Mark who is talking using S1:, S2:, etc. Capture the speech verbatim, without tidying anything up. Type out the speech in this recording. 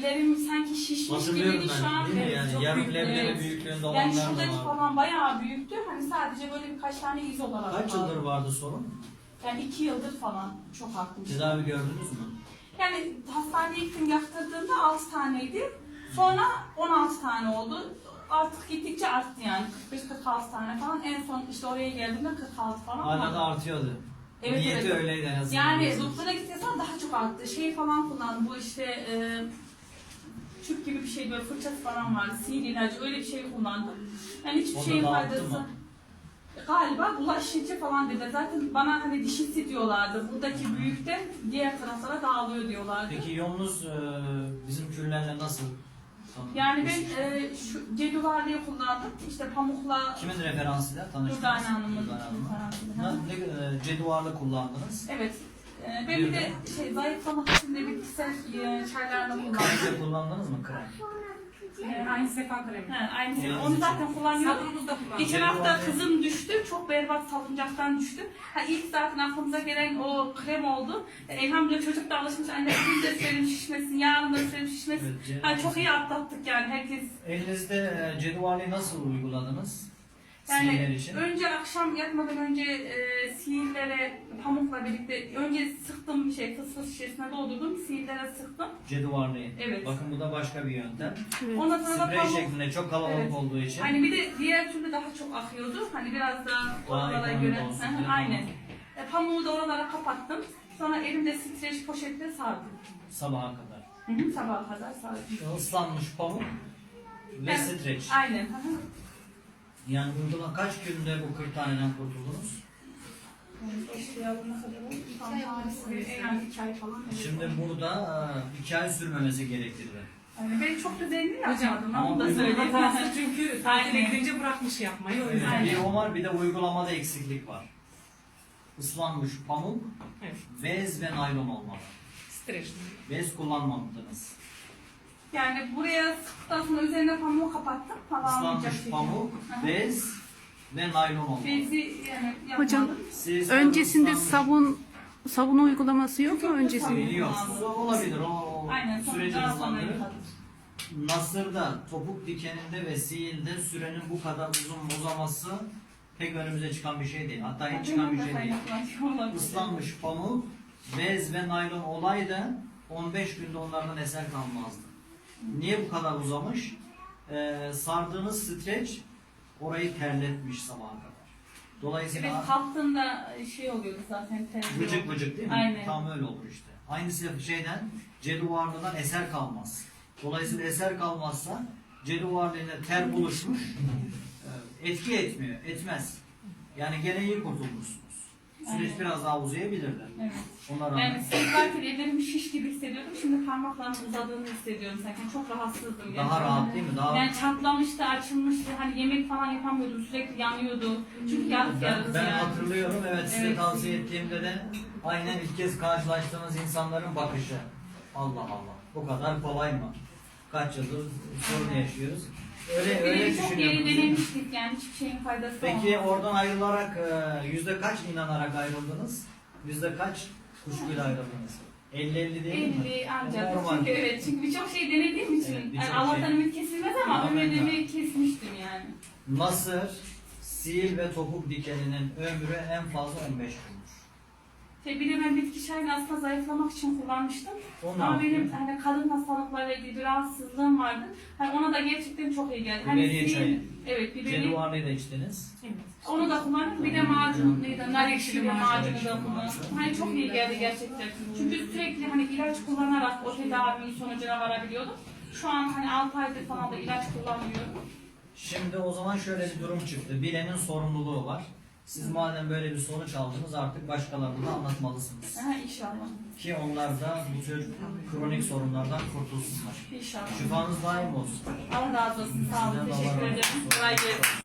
S1: ellerim sanki şişmiş
S2: Hatırlıyorum
S1: gibiydi
S2: ben,
S1: şu an.
S2: değil mi
S1: Evet,
S2: yani?
S1: çok
S2: Yarım
S1: büyük,
S2: leblebi
S1: evet.
S2: büyüklüğünde
S1: Yani
S2: olanlar da
S1: şuradaki
S2: var.
S1: falan bayağı büyüktü. Hani sadece böyle birkaç tane iz olarak
S2: Kaç
S1: kaldı.
S2: yıldır vardı sorun?
S1: Yani iki yıldır falan çok artmış.
S2: Tedavi gördünüz mü?
S1: Yani hastaneye gittim yaptırdığımda altı taneydi. Sonra on altı tane oldu. Artık gittikçe arttı yani. kırk beş kırk altı tane falan. En son işte oraya geldiğimde kırk altı falan.
S2: Hala da artıyordu.
S1: Evet,
S2: Niyeti
S1: evet.
S2: öyleydi en azından.
S1: Yani doktora gittiysem daha çok arttı. Şey falan kullandım. Bu işte e, tüp gibi bir şey, böyle fırçası falan vardı. Sihir ilacı, öyle bir şey kullandım. Yani hiçbir
S2: O da
S1: şeyin
S2: dağıttı
S1: faydası.
S2: mı?
S1: Galiba bulaşıcı falan dediler. Zaten bana hani dişisi diyorlardı. Buradaki büyükten diğer taraflara dağılıyor diyorlardı.
S2: Peki yolunuz e, bizim küllerle nasıl?
S1: Yani ben e, şu ceduvarlığı kullandım. İşte pamukla
S2: Kimin referansıyla tanıştınız?
S1: Durdane Hanım'ın
S2: Durdane Hanım'la.
S1: referansıyla.
S2: Ne, ne, ceduvarlı kullandınız.
S1: Evet. E, ben bir de şey zayıflamak için de bitkisel e, çaylarla kullandım.
S2: Krem kullandınız mı krem?
S1: E,
S3: Aynı sefa kremi.
S1: He, aynı şey.
S2: Yani
S1: Onu zaten kullanıyordum.
S3: Sabunumuz da kullanıyoruz.
S1: Geçen
S2: Ceduvar
S1: hafta
S2: ne?
S1: kızım düştü. Çok berbat salıncaktan düştü. Ha, ilk zaten aklımıza gelen o krem oldu. E, elhamdülillah çocuk da alışmış. Anne bugün de sürelim şişmesin, yarın da sürelim şişmesin.
S2: Evet, ce-
S1: Ha, çok iyi atlattık yani herkes.
S2: Elinizde e, ceduvarlığı nasıl uyguladınız?
S1: Yani
S2: Sihirler için.
S1: önce akşam yatmadan önce e, sihirlere pamukla birlikte önce sıktım şey fıs fıs şişesine doldurdum. Sihirlere sıktım.
S2: Ceduvarlığı.
S1: Evet.
S2: Bakın bu da başka bir yöntem.
S1: Ondan sonra da
S2: Sprey
S1: pamuk.
S2: şeklinde çok kalabalık
S1: Evet.
S2: olduğu için.
S1: Hani bir de diğer türlü daha çok akıyordu. Hani biraz daha oralara
S2: ekonomik
S1: göre.
S2: olsun
S1: Hı hı,
S2: diye.
S1: Aynen. E, pamuğu da oralara kapattım. Sonra elimde streç poşetle sardım.
S2: Sabaha kadar.
S1: Hı hı, sabaha kadar sardım.
S2: Islanmış pamuk ve
S1: Evet.
S2: streç.
S1: Aynen. Hı hı.
S2: Yani uygulama kaç günde bu kırk taneden kurtuldunuz?
S1: Başlayalım kadar oldu. Tam tanesi, yani iki ay falan. evet.
S2: Şimdi burada e, iki ay sürmemesi gerekirdi.
S1: Yani ben çok düzenli
S3: Hocam,
S1: yapmadım. Onu da
S2: ama
S1: söyleyeyim.
S3: Hatası çünkü tatile
S1: Aynen.
S3: gidince bırakmış yapmayı. O
S2: Evet,
S3: yüzden.
S1: Aynen.
S2: bir o var, bir de uygulamada eksiklik var. Islanmış pamuk,
S3: Evet.
S2: bez ve naylon olmalı.
S3: Streç.
S2: Bez kullanmamıştınız.
S1: Yani buraya sıktıktan sonra üzerine pamuğu kapattım. Havalanmayacak
S2: Islanmış
S1: şekilde.
S2: pamuk,
S1: Hı hı.
S2: bez ve naylon olmalı.
S1: Bezi yani yapmadım.
S4: Hocam,
S2: Siz
S4: öncesinde
S2: ıslanmış-
S4: sabun sabun uygulaması yok mu
S1: Yok,
S4: öncesinde?
S1: sabun.
S2: Yok, o olabilir. O, o
S1: Aynen. Sonra
S2: süreci
S1: daha sonra
S2: hızlandırır.
S1: yıkadım.
S2: Nasır'da, topuk dikeninde ve sihirde sürenin bu kadar uzun uzaması pek önümüze çıkan bir şey değil. Hatta hiç çıkan bir şey değil. Islanmış pamuk, bez ve naylon olaydı on beş günde onlardan eser kalmazdı. Niye bu kadar uzamış? Ee, sardığınız streç orayı terletmiş sabaha kadar.
S1: Evet,
S2: Dolayısıyla
S1: kalktığında şey oluyordu zaten. terliyor.
S2: vıcık vıcık değil mi?
S1: Aynen.
S2: Tam öyle olur işte. Aynısı şeyden, ceduvarlıdan eser kalmaz. Dolayısıyla eser kalmazsa ceduvarlığıyla ter buluşmuş, e, etki etmiyor, etmez. Yani gene iyi kurtulmuşsunuz. Süreç
S1: Aynen.
S2: biraz daha uzayabilirdi.
S1: Evet.
S2: Ona rağmen.
S1: Yani sıkarken ellerim şiş gibi hissediyordum. Şimdi parmaklarımın uzadığını hissediyorum sanki. Çok rahatsızdım.
S2: Daha
S1: gerçekten.
S2: rahat değil mi? Daha
S1: Yani çatlamıştı, açılmıştı. Hani yemek falan yapamıyordum. Sürekli yanıyordu. Çünkü yarık
S2: ben,
S1: yarık
S2: ben
S1: yani.
S2: hatırlıyorum, evet, size
S1: Evet.
S2: tavsiye ettiğimde de aynen ilk kez karşılaştığınız insanların bakışı. Allah Allah, bu kadar kolay mı? Kaç yıldır sorun yaşıyoruz. Öyle
S1: Bir
S2: öyle
S1: de çok yeri
S2: düşünüyorum.
S1: denemiştik yani hiçbir şeyin faydası
S2: Peki
S1: olmadı.
S2: oradan ayrılarak e, yüzde kaç inanarak ayrıldınız? Yüzde kaç kuşkuyla ayrıldınız? elli elli değil mi?
S1: elli ancak.
S2: Normal.
S1: Çünkü evet. Çünkü birçok şey denediğim için.
S2: Evet, birçok
S1: yani Allah'tan
S2: şey.
S1: ümit kesilmez ama
S2: Amenna.
S1: ümidimi kesmiştim yani.
S2: Nasır, sil ve topuk dikeninin ömrü en fazla on beş gündür.
S1: Şey, bir de ben bitki çayını aslında zayıflamak için kullanmıştım.
S2: O ne
S1: Ama
S2: yapıyor?
S1: benim hani kadın hastalıklarıyla ilgili bir rahatsızlığım vardı. Hani ona da gerçekten çok iyi geldi. Hani
S2: Biberiye
S1: sil-
S2: çayı.
S1: Evet, biberiye.
S2: Ceduvarlıyı da içtiniz.
S3: Evet.
S1: Onu da kullandım. Bir de macun, neydi? Nar ekşili
S3: Nar
S1: macunu
S2: ekşili
S1: da
S2: macunu.
S1: kullandım. Hani çok iyi geldi gerçekten. Çünkü sürekli hani ilaç kullanarak o tedavinin sonucuna varabiliyordum. Şu an hani altı aydır falan da ilaç kullanmıyorum.
S2: Şimdi o zaman şöyle bir durum çıktı. Bilenin sorumluluğu var. Siz madem böyle bir sonuç aldınız artık başkalarına da anlatmalısınız.
S1: Ha, inşallah.
S2: Ki onlar da bu tür kronik sorunlardan kurtulsunlar.
S1: İnşallah.
S2: Şifanız daim olsun.
S1: Allah razı olsun. Sağ olun.
S2: Sizden de Allah
S1: Teşekkür
S2: razı
S1: ederim.
S2: olsun.
S1: Kolay gelsin.